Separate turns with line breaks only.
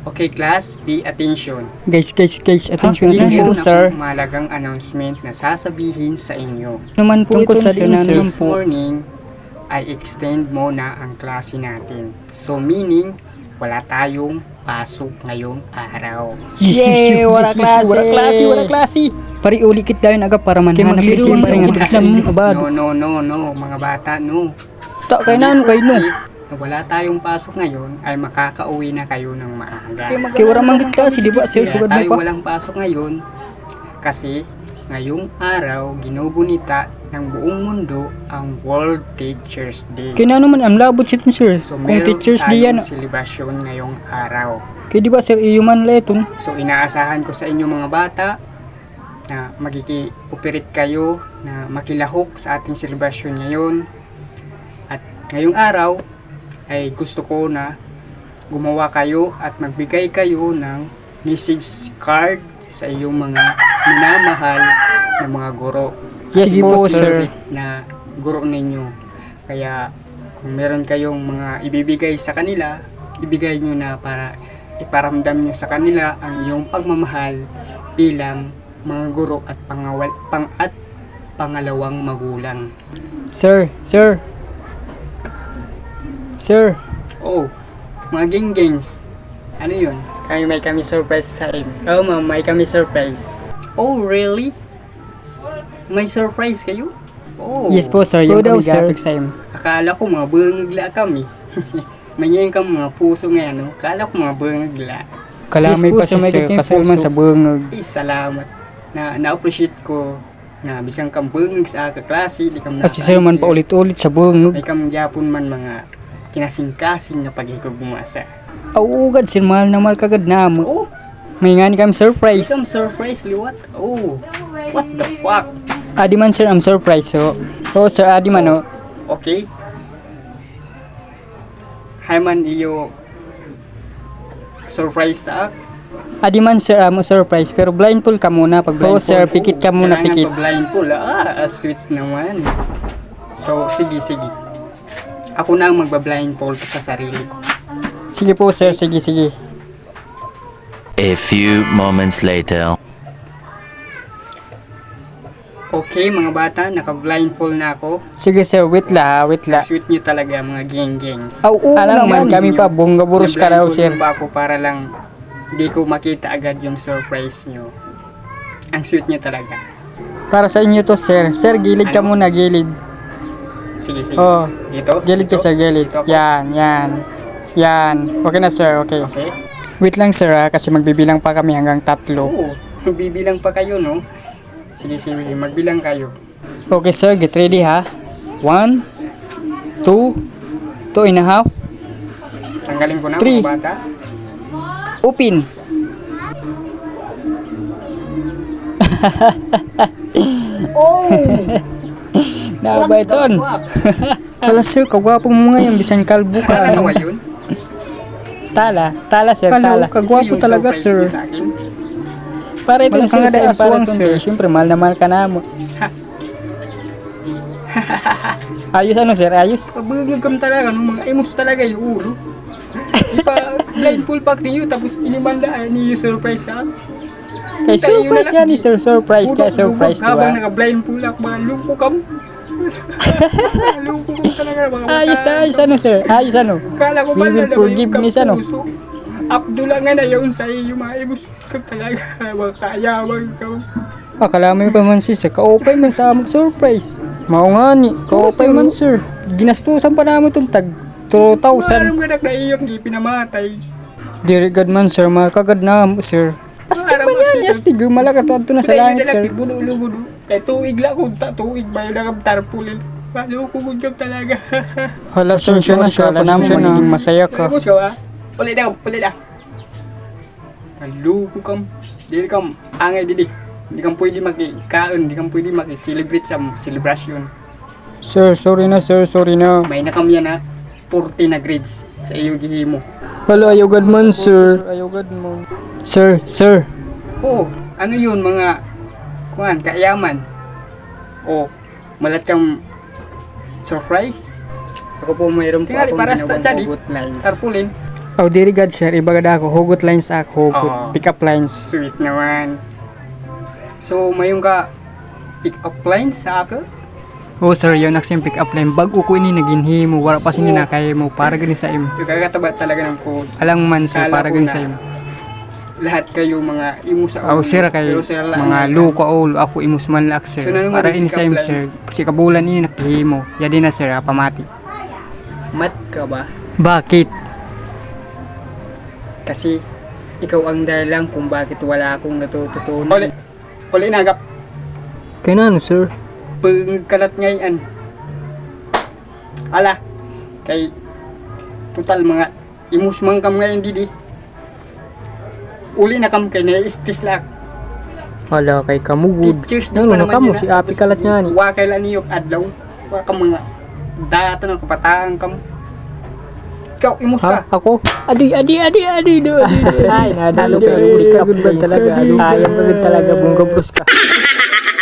Okay class, pay attention.
Guys, attention
This
na
is
po, sir.
malagang announcement na sasabihin sa inyo.
Naman po
Tungkol
itong
sa
sinanan
this
po.
morning, ay extend muna ang klase natin. So meaning, wala tayong pasok ngayong araw.
Yay! Wala klase! Pari ulikit dayon aga para manhanap
Kay
kasi
mag-zero
nga
man
exam abad.
No, mga bata, no.
Ta kay nano kay no.
Na wala tayong pasok ngayon, ay makakauwi na kayo ng maaga.
Kay wala man gid kasi di ba sir
Kaya
sugad mo
tayo
pa.
walang pasok ngayon kasi ngayong araw ginugunita ng buong mundo ang World Teachers Day.
Kay nano man am labot sit sir.
So
Kung
meron
teachers di yan.
tayong celebration ngayong araw.
Kay di ba sir iyuman leton.
So inaasahan ko sa inyo mga bata na magiki-operate kayo na makilahok sa ating celebration ngayon. At ngayong araw ay gusto ko na gumawa kayo at magbigay kayo ng message card sa iyong mga minamahal na mga guro.
Yes
Sige
po, sir.
Na guro ninyo. Kaya kung meron kayong mga ibibigay sa kanila, ibigay nyo na para iparamdam nyo sa kanila ang iyong pagmamahal bilang mga guro at pangalawang magulang.
Sir.
Oh, mga gengs. Ano yun? May kami surprise sa inyo. Oh, ma'am, may kami surprise. Oh, really? May surprise kayo? Oh.
Yes po sir, yung
daw,
kami
sir.
gapik sa im.
Akala ko mga bangagla kami. Manyayin ka mga puso ngayon, no? Akala ko mga bangagla.
Kalamay pa
Yes po,
sa
may
sir
kating
kasal man
puso.
sa bungag.
Salamat. Na-appreciate ko na bisang kang bangag sa kaklase, di ka
Kasi sir man pa ulit-ulit sa bungag.
May kamgyapon man mga kinasing-kasing na pag-ikog bumasa.
Auugad sir mahal na mahal kagad na mo.
Oh,
May nga ni kami surprise.
become surprise liwat. Oh, what the fuck?
Adi man sir am surprise so. So sir adi man oh.
Okay. Hi man iyo surprise sa
Adi man sir am surprise pero blindfold ka muna pag blindfold. Sir pikit ka muna pikit.
Blindfold. Sweet naman. So sige. Ako na ang magba-blindfold sa sarili ko.
Sige po sir, sige.
A few moments later.
Okay mga bata, naka-blindfold na ako.
Sige sir, wait la.
Sweet nyo talaga mga gengs.
Alam man kami pa bunga burus ka raw sir.
Pa ako para lang hindi ko makita agad yung surprise nyo. Ang sweet nyo talaga.
Para sa inyo to sir. Sir, gilid ka muna, gilid.
Sige.
Oh,
Dito?
gilid ka sir, gilid.
Dito ako?
Yan. Okay na sir, okay.
Okay.
Wait lang sir kasi magbibilang pa kami hanggang 3.
Oo. Bibilang pa kayo, no? Sige. Magbilang kayo.
Okay sir, get ready ha. 1, 2, 2.5.
Tanggalin ko na
Three.
mga bata.
Open. Nabay ton. Wala sir, kagwapo mo ngayon bisan kalbo ka.
Ano ba yun?
Tala sir, tala. Kagwapo
Yung
talaga
surprise
sir.
nyo sa akin.
Para ito
Walang
sir,
kangada,
sa aswang
para
sir. Siyempre, mahal na mahal ka na mo. Ayos ano sir, ayos.
Kabugagam talaga, no? Mga emos talaga yung ulo. Ipa blindfold pack niyo tapos inimanda niyo surprise sa akin.
Kay surprise yan ni sir, surprise. Kaya surprise,
Habang
diba?
naka-blindfold ako, mga lumpo kam. Lumpo kam talaga mga bata.
Ayos ano sir, ayos ano.
Kala ko
We
ba
will forgive ni ano.
Abdullah nga na yun sa iyo, mga emos kam talaga. Mga kayawag kam.
Akala mo pa man sir, kaopay man sa among surprise. Mao nga ni, kaopay
sir.
man sir. Ginastusan pa namin itong tag 2,000.
Parang ganak na iyong di pinamatay.
Dirigad man sir, makagad na mo sir. Astig
Parang
man yan, astig. Malakat to na sa langit sir.
Budo. Kaya tuig lang kung tuig ba yung nagam-tarpulin. Maloko ko job talaga.
Hala sir, siya na siya. Panam siya na masaya ka.
Ano siya ha? Ulit na. Maloko kam. Dili kam angay didi. Hindi kang pwede makikaon, hindi kang pwede makicelebrate sa celebration.
Sir, sorry na.
May na kami na 40 na grades sa iyo gihimo.
Hala, ayogad man sir. Ayogad mo. Sir.
Oh, ano yun mga kaayaman? Oh, malat kang surprise? Ako po mayroon po Tingali,
Oh,
para sa ginawang tadi. hugot lines. Tarpulin.
Oh, diri gad sir, ibagad ako, hugot lines ako,
Oo.
pick up lines.
Sweet naman. So, mayroon ka pick up line sa ako?
Oh sir, yun aksyon pick up line. Bago ko ini naginhimo, wala pa sini na kaya mo para gani sa im.
Yung kakataba talaga ng post.
Alang man sir,
Kala
para
ko
gani
na
sa im.
Lahat kayo mga imo sa
Oh sir, kay
Pero sila lang
mga
ang-
luko all, ako imus man lak sir.
So, nanong
Para
maging
ini sa im
pick up
sir, kasi kabulan ini nakihimo. Yadi na sir, pamati.
Mat ka ba?
Bakit?
Kasi ikaw ang dahilan kung bakit wala akong natututunan. Uli nagap.
Kaya na ano sir?
Pagkalat ngayon. Ala. Kay total mga imus man kam ngayon didi. Uli na kam kay na istis lak.
Wala kay kamugod.
Pictures
Ano na kamo si Api kalat niya ni.
Wa kay laniyok adlaw. Wa ka mga data ng kabataan kam. Ikaw imus
Ha?
ka.
Ako? Adi do. Ay, nadalo ka. Bus ka good talaga. Ayam ka good talaga. Bunga bus ka.